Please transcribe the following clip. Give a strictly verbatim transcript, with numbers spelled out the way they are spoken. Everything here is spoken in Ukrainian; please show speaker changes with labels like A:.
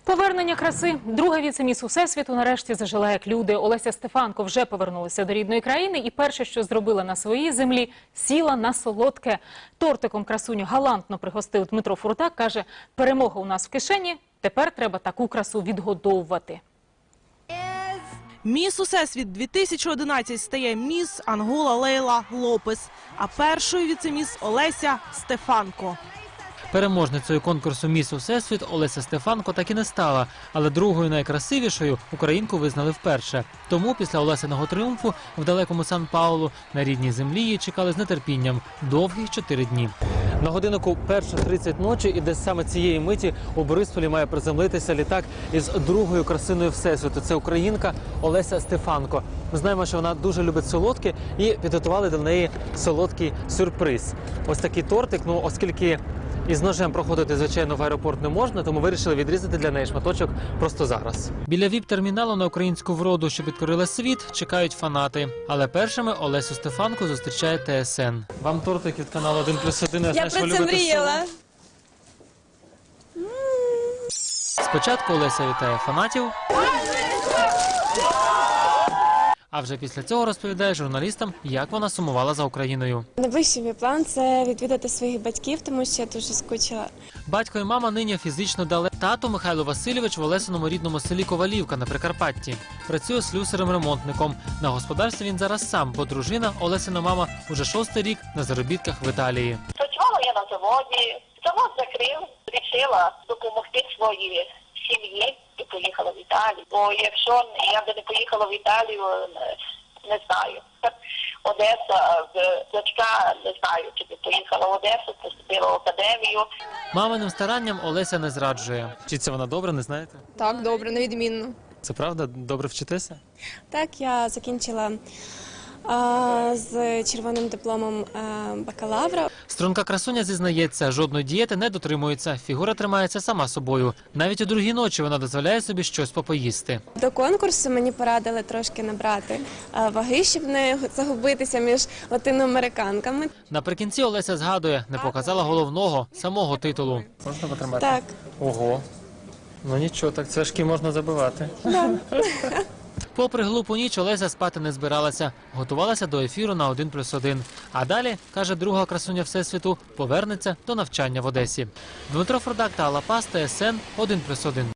A: Повернення краси. Друга віце-міс Усесвіту нарешті зажила як люди. Олеся Стефанко вже повернулася до рідної країни і перше, що зробила на своїй землі, сіла на солодке. Тортиком красуню галантно пригостив Дмитро Фуртак. Каже, перемога у нас в кишені, тепер треба таку красу відгодовувати.
B: Міс Усесвіт дві тисячі одинадцять стає міс Ангола Лейла Лопес, а першою віце-міс Олеся Стефанко.
C: Переможницею конкурсу «Міс Усесвіт» Олеся Стефанко так і не стала, але другою найкрасивішою українку визнали вперше. Тому після Олесиного тріумфу в далекому Сан-Паулу на рідній землі її чекали з нетерпінням довгих чотири дні. На годиннику перша тридцять ночі і десь саме цієї миті у Борисполі має приземлитися літак із другою красиною Всесвіту. Це українка Олеся Стефанко. Ми знаємо, що вона дуже любить солодке і підготували до неї солодкий сюрприз. Ось такий тортик, ну оскільки із ножем проходити, звичайно, в аеропорт не можна, тому вирішили відрізати для неї шматочок просто зараз. Біля віп-терміналу на українську вроду, що підкорила світ, чекають фанати. Але першими Олесю Стефанко зустрічає Те Ес Ен. Вам тортик від каналу один плюс один. Я,
D: Я про це мріяла.
C: Спочатку Олеся вітає фанатів, а вже після цього розповідає журналістам, як вона сумувала за Україною.
D: Найближчий мій план – це відвідати своїх батьків, тому що я дуже скучила.
C: Батько і мама нині фізично дали. Тато Михайло Васильович в Олесиному рідному селі Ковалівка на Прикарпатті. Працює слюсарем-ремонтником. На господарстві він зараз сам, бо дружина, Олесина мама, уже шостий рік на заробітках в Італії.
E: Працювала я на заводі, завод закрив, вирішила допомогти своїй сім'ї і поїхала в Італію. Бо якщо я би не поїхала в Італію, не знаю. Одеса, дочка, не знаю, чи би поїхала в Одесу, поступила в академію.
C: Маминим старанням Олеся не зраджує. Вчиться вона добре, не знаєте?
D: Так, добре, невідмінно.
C: Це правда? Добре вчитеся?
D: Так, я закінчила а, з червоним дипломом а, бакалавра.
C: Струнка красуня зізнається, жодної дієти не дотримується. Фігура тримається сама собою. Навіть у другій ночі вона дозволяє собі щось попоїсти.
D: До конкурсу мені порадили трошки набрати а, ваги, щоб не загубитися між латиноамериканками.
C: Наприкінці Олеся згадує, не показала головного, самого титулу. Можна потримати?
D: Так.
C: Ого. Ну нічого, так цвяшки можна забивати.
D: Да.
C: Попри глупу ніч, Олеся спати не збиралася. Готувалася до ефіру на один плюс один. А далі, каже друга красуня Всесвіту, повернеться до навчання в Одесі. Дмитро Фуртак та Алла Пас, Те Ес Ен, один плюс один.